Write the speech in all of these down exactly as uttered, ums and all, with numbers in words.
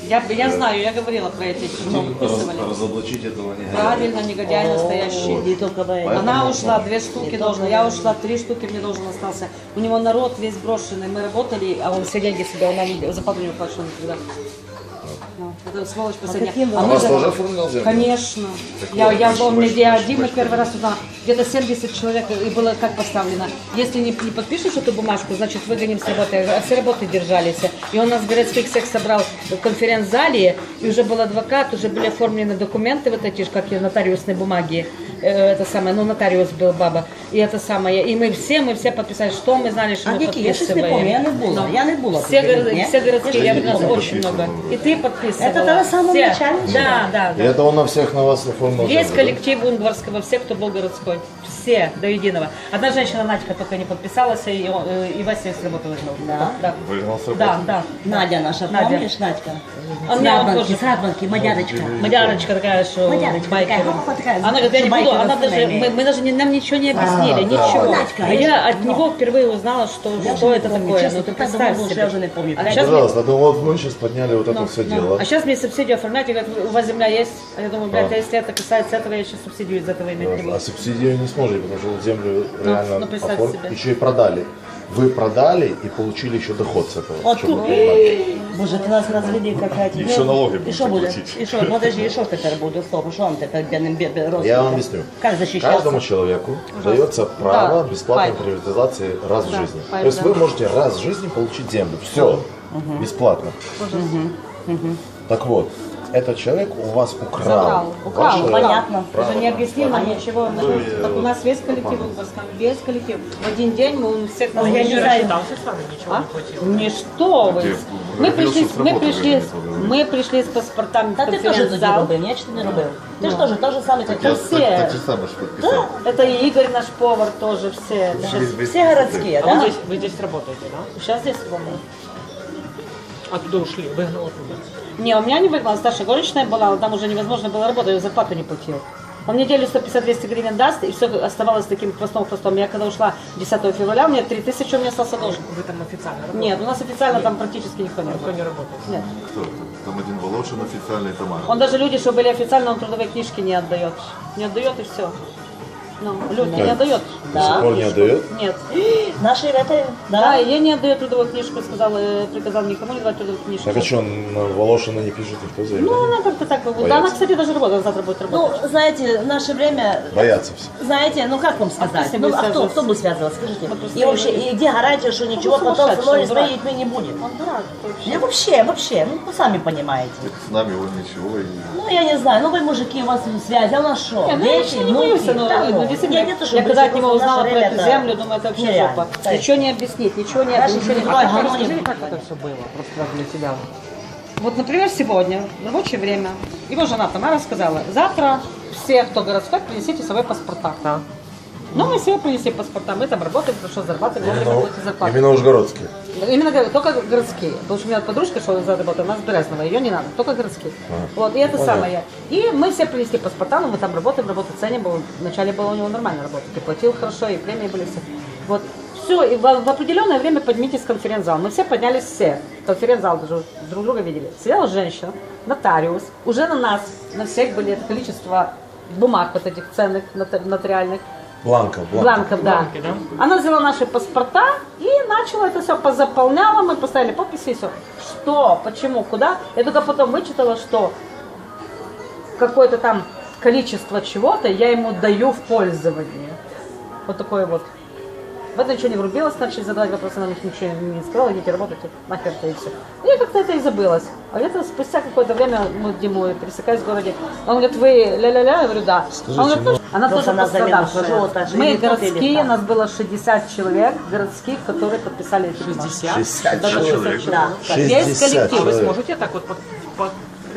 Я, я знаю, я говорила про эти, что выписывали. Разоблачить этого негодяя. Правильно, негодяй настоящий. Не только поэтому. Она ушла, две штуки должна, я ушла, три штуки мне должен остался. У него народ весь брошенный, мы работали, а он все деньги себе, он нам зарплату не уплачивал никогда. Ну, это сволочь последняя. А вас тоже оформлял землю? Конечно. Я, я был где один, первый раз туда, где-то семьдесят человек, и было как поставлено. Если не, не подпишешь эту бумажку, значит выгоним с работы. А все работы держались. И он нас городских всех собрал в конференц-зале, и уже был адвокат, уже были оформлены документы, вот эти, как и нотариусные бумаги. Это самое, ну нотариус был баба. И это самое. И мы все, мы все подписали, что мы знали, что а мы подписываем. Я щось не помню, я не була. Я не була. Все, город, все городские, я нас очень много. И ты подписывала. Это тогда самого начала? Да, да, да. И это он на всех на вас оформил? Весь землю, коллектив Унгварского, все, кто был городской. Все, до единого. Одна женщина, Надька, только не подписалась, и, и Вася с работы выгнал. Да? Да. Выгнал с работы? Да, да. Надя наша, Надя. помнишь, Надька? А С меня он Радванки, тоже- с Радванки, мадярочка. Мадярочка такая, что Мадярочка байкер. такая, хопа, такая, Она говорит, я не что буду, байкер она сына даже, имеет. мы, мы даже не, нам ничего не объяснили, А, ничего. да. Надька, А я я же- от него впервые узнала, что, Я что же это не помню, такое. честно, Ну ты так представь давно, что себе. я уже не помню. А Пять сейчас Пожалуйста, ну вот мы сейчас подняли вот это Ну, все ну. дело. А сейчас мне субсидию оформлять, и говорят, у вас земля есть? А я думаю, блядь, а если это касается этого, я сейчас субсидию из этого иметь не буду. А субсидию не сможете, потому что землю реально ну, представь оформили, себе. еще и продали. Вы продали и получили еще доход с этого. От чтобы тут. вы понимали. Боже, ты нас развели какая-то. И еще налоги И будете что будет? платить. И что? Подожди, и что теперь будет? Стоп, что он теперь бедным родственникам? Я вам объясню. Как защищаться? Каждому человеку дается право Да, бесплатной пайп. приватизации раз в Да, жизни. пайп, То есть да. вы можете раз в жизни получить землю. Все. Бесплатно. Так вот, этот человек у вас украл. Забрал, украл, ваше понятно. Ты же не объяснил нам Понятно. ничего. Мы- Так у нас весь коллектив Унгварском, весь коллектив. В один день мы всех Ну, я не знаю. А? Не что вы. Мы пришли, с мы работы пришли, выгнали. мы пришли с паспортами в Та ти теж тоді конференц-зал. робив, ні? Чи ти не робив? Ти ж теж, те ж саме, як Я- і все. Так же самое, что подписал. Это и Игорь, наш повар, тоже все. всі городські, А вы да? здесь, вы здесь работаете, да? Сейчас здесь работаю. Оттуда ушли, выгнал оттуда. Не, у меня не выгнала, старшая горничная была, но там уже невозможно было работать, я зарплату не платил. Он неделю сто пятьдесят - двести гривен даст, и все оставалось таким хвостом-хвостом. Я когда ушла десятого февраля, у меня три тысячи, у меня остался должен. Вы там официально работаете? Нет, у нас официально там практически никто не Никто работает. не работает. Нет. Кто это? Там один Волошин официальный, Тамара. Он даже люди, что были официально, он трудовые книжки не отдает. Не отдает и все. Ну, люди не отдает. До сих пор не отдает? Нет. Наші это, Да, да? я не отдаю трудовую книжку, сказал, э, приказал никому не давать трудовую книжку. Так а что, на Волошина не пишет никто Ну, заявление? она как-то так, да, Боятся. она, кстати, даже работает, завтра будет Ну, работать. знаете, в наше время, Боятся все. знаете, ну как вам сказать? с ним Ну, будет а кто, связываться? кто будет связываться, скажите? Вот просто И вообще, его- и где гарантия, что ничего Ну, потом со сумасшедший, мной он дурак. изменить не будет? Он дурак вообще. Ну, вообще, вообще, ну, вы сами понимаете. С нами он ничего и... Ну, я не знаю, ну, вы, мужики, у вас связь, а у нас что? Не, ну, я Дети, ничего не боюсь, внуки? но, Да, ну, действительно, я, не то, что я когда от боюсь, него просто в узнала наше про время эту это землю, думаю, это вообще нереально. жопа. Да. Ничего не объяснить, ничего не, Даже ничего не... другой А гармонии. Расскажите, как это все было, просто для себя. Вот, например, сегодня, в рабочее время, его жена Тамара сказала, завтра все, кто городской, принесите свои паспорта. Да. Ну, мы все принесли паспорта, мы там работаем, хорошо зарабатываем, вовремя Именно, платим зарплату. именно Ужгородские. Именно говорю, только городские. Потому что у меня подружка, что за работа, у нас Березного, ее не надо, только городские. Вот, и это Понятно. самое. И мы все принесли паспорта, но мы там работаем, работу ценим, было, вначале было у него нормально работать, и платил хорошо, и премии были все. Вот, все, и в, в определенное время поднимитесь в конференц-зал. Мы все поднялись, все. Конференц-зал даже друг друга видели. Сидела женщина, нотариус, уже на нас, на всех были это количество бумаг вот этих ценных, нот- нотариальных. Бланков, бланков. Бланков, да. Бланки, да? Она взяла наши паспорта и начала это все позаполняла, мы поставили подписи и все. Что, почему, куда? Я только потом вычитала, что какое-то там количество чего-то я ему даю в пользование. Вот такое вот. В это ничего не врубилась, начали задавать вопросы, нам их ничего не сказала, идите работайте, нахер это и все. Я как-то это и забылась. А где-то спустя какое-то время мы Диму пересекаюсь в городе. Он говорит, вы ля-ля-ля? Я говорю, да. Скажите, Он говорит, ну, «Ну, она просто тоже она замена пострадавшая. живота, Мы живот или городские, там? нас было шестьдесят человек городских, которые подписали эти бумаги. шестьдесят? шестьдесят Даже человек. шестьдесят человек. Да. Весь шестьдесят коллектив. А вы человек. сможете так вот под, под-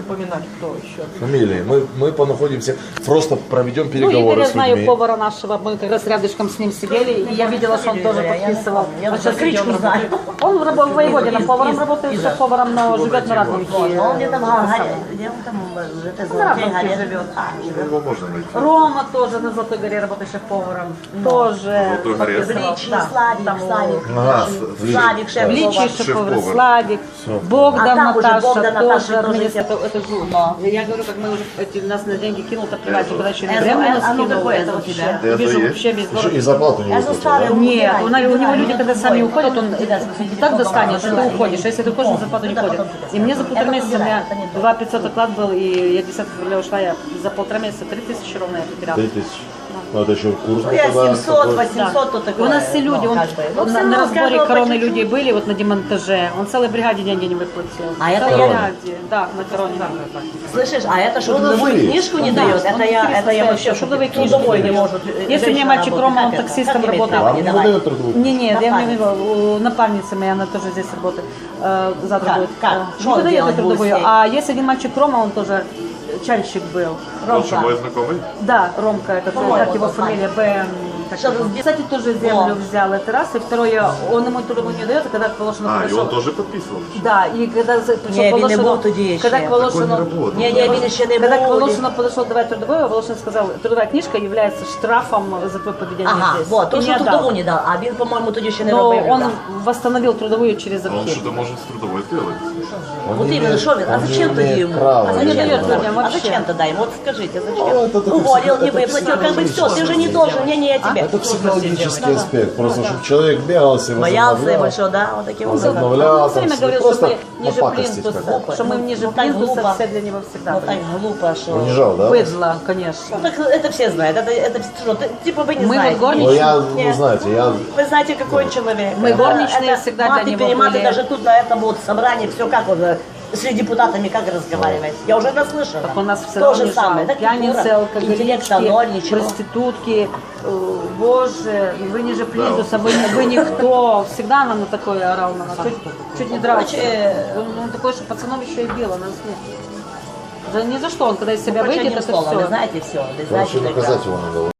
припоминать, кто еще. Фамилии. Мы, мы понаходимся, просто проведем Ну, переговоры Игоря с знаю, людьми. повара нашего, мы как раз рядышком с ним сидели, и я видела, что он тоже подписывал. Я Он даже сейчас кличку идет, знаю. Он работает в Воеводино, Из- поваром из- работает, из- все поваром, но живет на Радовике. Но он где-то в Гагаре, где он там, это На Радовике Горе живет. Его можно найти. Рома тоже на Золотой горе работает шеф-поваром. Тоже. Золотой горе. подписывал. Бличий, Да, Славик, там, Славик, Ага, Славик, В шеф Личии Шеф-повар. шеф-повар, Славик, А Богдан, там уже Наташа, Богдан, Наташа тоже тоже администратор. все. Это жу. Но. Я говорю, как мы уже эти, нас на деньги кинул, так плевать, когда еще не Это- время нас а ну кинул, какое это это у вообще. тебя? Это Вижу есть? вообще без Еще и зарплату не Я за выплатил, старый да? Нет, у, убирай, у него люди, убирай, когда сами убирай. уходят, он Потом так достанет, что ты потом уходишь. А если ты уходишь, на зарплату не это ходит. потом И мне за полтора это месяца, у убирай, меня это не то. два пятьсот оклад был, и я десятого февраля ушла, я за полтора месяца три тысячи ровно я потеряла. Три тысячи. Ну, это еще курс. Ну, я тогда семьсот, такой. восемьсот, то И такое. у нас все люди, ну, он, как бы. Ну, на, все на равно, разборе каждого по короны чуть-чуть. люди были, вот на демонтаже, он целой бригаде деньги не выплатил. А это целой я- бригаде, да, на короне. Слышишь, а это что, Ну, трудовую назови. книжку не Да, дает? он Это я, это я вообще трудовые шутки. книжки Трудовой не дает. может. Если у меня женщина мальчик работать, Рома, он как это? таксистом Как имеет работает. право? Вам Не не давай. выдают трудовую книжку? Не, не, я Напарница. имею в виду, у напарницы она тоже здесь работает. Э, завтра Как? будет. Как? Э, Что не он выдает делать будет трудовую. с ней? А есть один мальчик Рома, он тоже чальщик был. Лучше Ромка. мой знакомый. Да, Ромка, это По-моему, как его он фамилия, Б. как Что, его. где- Кстати, тоже землю О. взял, это раз. И второе, он ему трудовую не дает, а когда к Волошину А, и пришел. он тоже подписывал. Да, и когда за- пришел Не, к він не Волошину, був тоді ще. когда к Так он не Волошину, работал. Ні, ні, він ще не когда к був. Волошину подошел давать трудовую, Волошин сказал, трудовая книжка является штрафом за твое поведение Ага, здесь. вот, то, И що не трудову отдал. не дав, а він, по-моєму, тоді ще не Но робив. он да. восстановил трудовую через А он архив. что-то может с трудовой сделать. Он Вот не именно, имеет- что він? А он не зачем тогда имеет ему? права А не зачем, дает тогда? людям а вообще. зачем тогда ему? Вот скажите, Ну, зачем? это такой Уволил, не это выплатил, как бы все, ты же не психологический должен, не, не, я тебе. Это психологический аспект. Просто, чтобы человек бегался, Боялся возобновлял. большого, да, вот таким Он образом. возобновлял, Он все время там, говорил, просто что мы ниже попакостить плинтуса, как-то. что мы ниже Ну, так плинтуса, глупо. все для него всегда Ну были. так глупо, что... Унижал, да? Быдло, конечно. Ну так это все знают, это, это что, ты- типа вы не Мы знаете. вот горничные- Ну, я, Нет. ну, знаете, я... Вы знаете, какой человек. Мы Это- горничные это всегда для маты, него перематы, были. даже тут на этом вот собрании, все как он э, с депутатами как разговаривать. Я уже наслышала. Так он нас все То равно же унижал. самое. Да, Пьяницы, культура, интеллект, ноль, алкоголички, ничего. проститутки. Э, Боже, вы ниже плинтуса, вы, не- вы никто. Всегда нам на такое орал на нас. Чуть, чуть не дрался. Короче, Он, он такой, что пацанов еще и било, нас нет. За, ни за что, он когда из себя Короче, выйдет, одним это словом, все. вы знаете все. Вы знаете, Короче, тогда. наказать его надо.